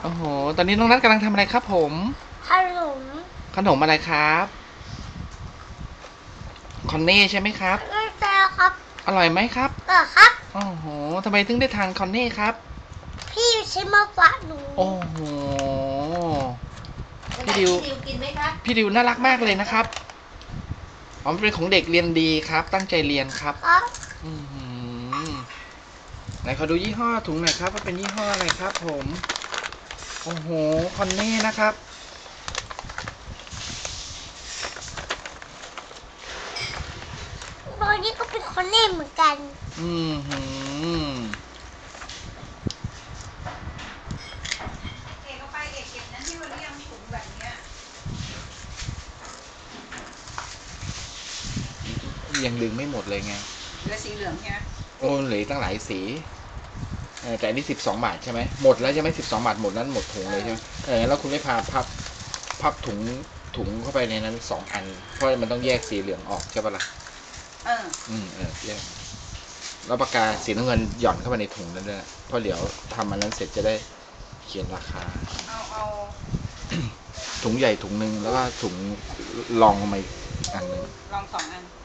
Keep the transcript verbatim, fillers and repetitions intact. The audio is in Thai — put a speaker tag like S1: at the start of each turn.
S1: โอ้โหตอนนี้น้องนัทกำลังทำอะไรครับผม
S2: ขนม
S1: ขนมอะไรครับคอนเน่ใช่ไหมครับ
S2: ไม่ใช่ครับ
S1: อร่อยไหมครับ
S2: ก็ครับ
S1: โอ้โหทำไมถึงได้ทานคอนเน่ครับ
S2: พี่ชิมมาฝากหนู
S1: โอ้โหพี่ดิว
S2: พี่ดิวกินไหมครับ
S1: พี่ดิวน่ารักมากเลยนะครับอ๋อมันเป็นของเด็กเรียนดีครับตั้งใจเรียนครับ
S2: ครับ
S1: อืมไหนขอดูยี่ห้อถุงหน่อยครับว่าเป็นยี่ห้ออะไรครับผมโอ้โหคอนเน่นะครับ
S2: ตอนนี้ก็เป็นคนเล่นเหมือนกัน
S1: อืมหืม
S3: เอกเอาไปเอกเก็บนั้นที่วันนี้ยังถุงแบบเนี้ย
S1: ยังดึงไม่หมดเลยไง
S3: เหลือสีเหลืองใช่ไหม
S1: โอ้เหลือตั้งหลายสีเออแต่อันนี้สิบสองบาทใช่ไหมหมดแล้วใช่ไหมสิบสองบาทหมดนั้นหมดถุงเลยใช่ไหมเออแล้วคุณไม่พาพับพับถุงถุงเข้าไปในนั้นสองอันเพราะมันต้องแยกสีเหลืองออกใช่ปะล่ะ
S3: เออ
S1: อืมเออแยกแล้วปากกาสีน้ำเงินหย่อนเข้าไปในถุงนั้นด้วยเพราะเดี๋ยวทำอันนั้นเสร็จจะได้เขียนราคา
S3: เอาเอา
S1: ถุงใหญ่ถุงหนึ่งแล้วก็ถุงรองลงมาอีกอันหนึ่ง
S3: ลองสองอัน